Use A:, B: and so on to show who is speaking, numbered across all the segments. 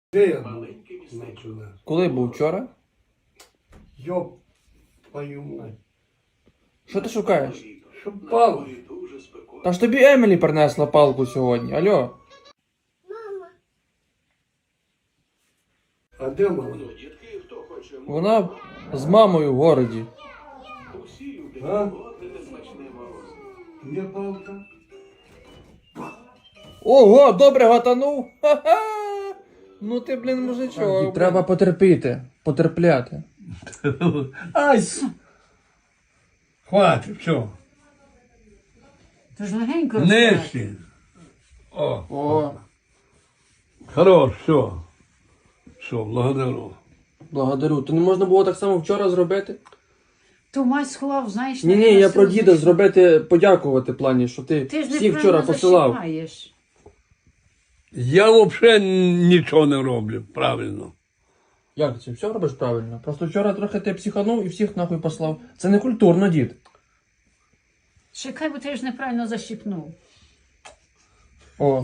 A: Де я був?
B: Коли був вчора?
A: Йоп, твою мать.
B: Що ти шукаєш?
A: Що палку?
B: Та ж тобі Емілі принесла палку сьогодні, алло.
A: А де мама?
B: Вона з мамою в городі.
A: А? Є палка?
B: Ого, добре гатанув. Ха-ха. Ну ти, блін, мужичок. Треба потерпіти, потерпляти.
A: Ай! Хватить, все.
C: Ти ж легенько розказуєш.
A: Нижче. О,
B: О,
A: хорош, все. Все, благодарю.
B: благодарю. То не можна було так само вчора зробити?
C: То мать сховав, знаєш,
B: Ні,
C: наверно,
B: я про
C: все
B: діда
C: знайшов.
B: зробити, подякувати в плані, що ти
C: Ти ж
B: всіх
C: неправильно
B: вчора посилав.
C: защіпаєш.
A: Я взагалі нічого не роблю, правильно.
B: Як ти це? Все робиш правильно. Просто вчора трохи ти психанув і всіх нахуй послав. Це не культурно, дід.
C: Чекай, бо ти ж неправильно защіпнув.
B: О.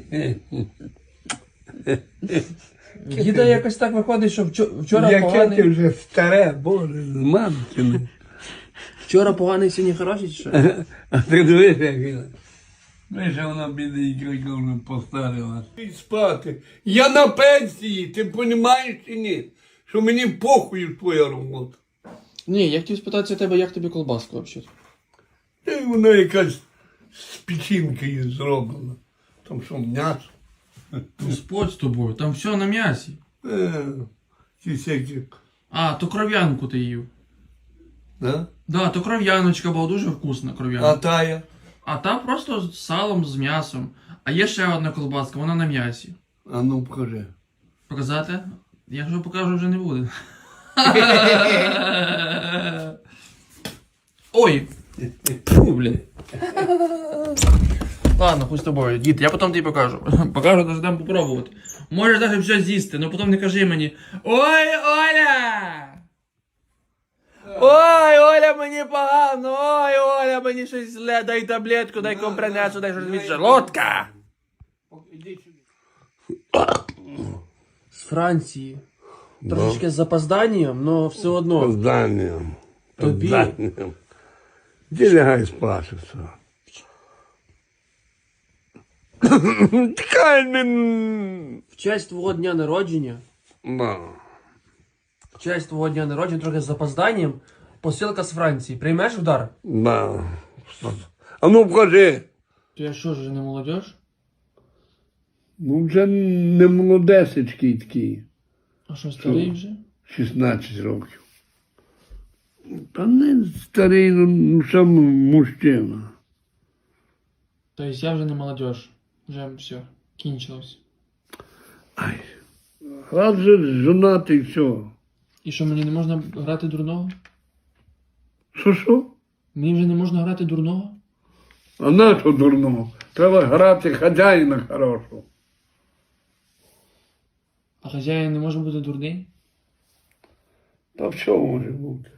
B: Діда якось так виходить, що вчора
A: Яке ти
B: поганий.
A: вже старе, боже, мамкине.
B: Вчора поганий, сьогодні хороший чи що?
A: А ти дивись, як він. Ми ж вона бідненька вже постарила. І спати. Я на пенсії, ти розумієш чи ні? Що мені похуй твоя робота.
B: Ні, я хотів спитатися тебе, як тобі колбаска взагалі?
A: Та й вона якась з печінки зроблена. Там що, м'ясо?
B: Господь з тобою, там все на м'ясі.
A: Ті всякі.
B: А, то кров'янку ти їв.
A: Да?
B: Да, то кров'яночка була дуже вкусна
A: А
B: кров'янка.
A: тая?
B: А та просто з салом, з м'ясом. А є ще одна колбаска, вона на м'ясі.
A: А ну покажи.
B: Показати? Якщо покажу, вже не буде. Ой! Фу, блін. Ладно, хуй з тобою, дід, я потім тобі покажу. Покажу, даже дам попробувати. Можеш навіть все з'їсти, але потім не кажи мені: ой, Оля! Ой, Оля, мені погано, ой, Оля, мені щось зле, дай таблетку, дай компренесу, дай щось від желудка.
A: Іди сюди.
B: З Франції. Трошечки з запозданням, але все одно.
A: Позданням.
B: Тобі.
A: Позданням. Де лягай спати все. Тікай мен.
B: В честь твого дня народження,
A: Да.
B: в честь твого дня народження, трохи з запозданням, посилка з Франції. Приймеш удар?
A: Да. А ну покажи.
B: Ти що ж, не молодіж?
A: Ну вже не молодесечкий такий.
B: А що, старий вже?
A: 16 років. Та не старий, ну сам мужчина.
B: Тобто я вже не молодіж. Вже все, кінчилось.
A: Ай. Раз же жонатий, все.
B: І що, мені не можна грати дурного?
A: Що?
B: Мені вже не можна грати дурного?
A: А на що дурного? Треба грати хазяїна хорошого.
B: А хазяїн не може бути дурний?
A: Та все може бути.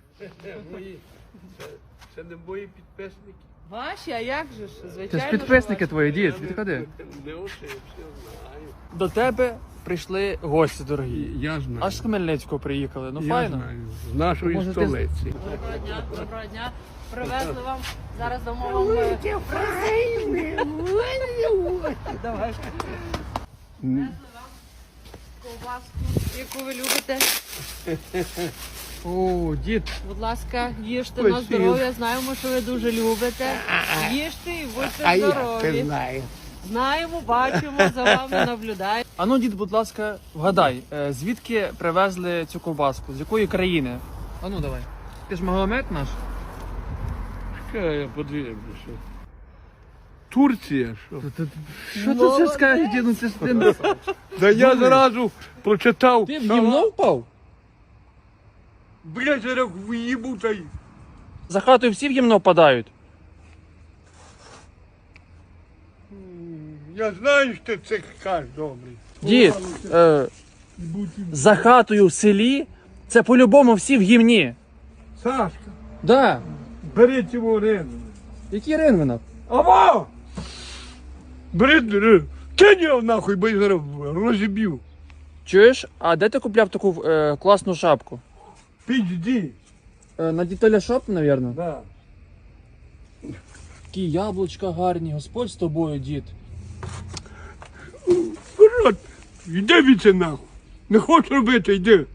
A: Це не мої підписники.
D: Ваші, а як же ж?
B: Це
D: Звичайно.
B: ж підписники твої, дід, відходи.
A: Не очі, я все знаю.
B: До тебе прийшли гості дорогі.
A: Я знаю.
B: Аж з Хмельницького приїхали, ну
A: Я
B: файно.
A: знаю. З нашої
B: Може, ти-
A: столиці.
D: Доброго дня, доброго дня. Привезли вам. Зараз дамо вам Давай. Привезли вам ковбаску, яку ви любите.
B: О, дід,
D: Будь ласка, їжте на
A: Спасибо.
D: здоров'я. Знаємо, що ви дуже любите. Їжте і будьте здорові.
A: знаю.
D: Знаємо, бачимо, за вами наблюдаємо.
B: а ну, дід, будь ласка, вгадай, звідки привезли цю ковбаску? З якої країни? А ну давай. Ти ж Магомед наш?
A: Чекай, я подивлюся. Турція, що?
B: Що ти це скажеш, дід? Ну це ж ти...
A: Да я зразу прочитав.
B: Ти в гімно впав?
A: Блядь, зараз виїбу та й.
B: За хатою всі в гімно впадають.
A: Я знаю, що це кажеш, добрий.
B: Дід, за хатою в селі, це по-любому всі в гімні.
A: Сашка,
B: Да.
A: бери цього рину.
B: Який Ринвинок?
A: Аво! Бери, кинь його нахуй, бо я зараз розіб'ю.
B: Чуєш, а де ти купляв таку класну шапку?
A: Пізді.
B: На Дітеля Шоп, мабуть?
A: Да.
B: Такі яблучка гарні, Господь з тобою, дід.
A: Вперед, йди від це нахуй. Не хочеш робити, йди.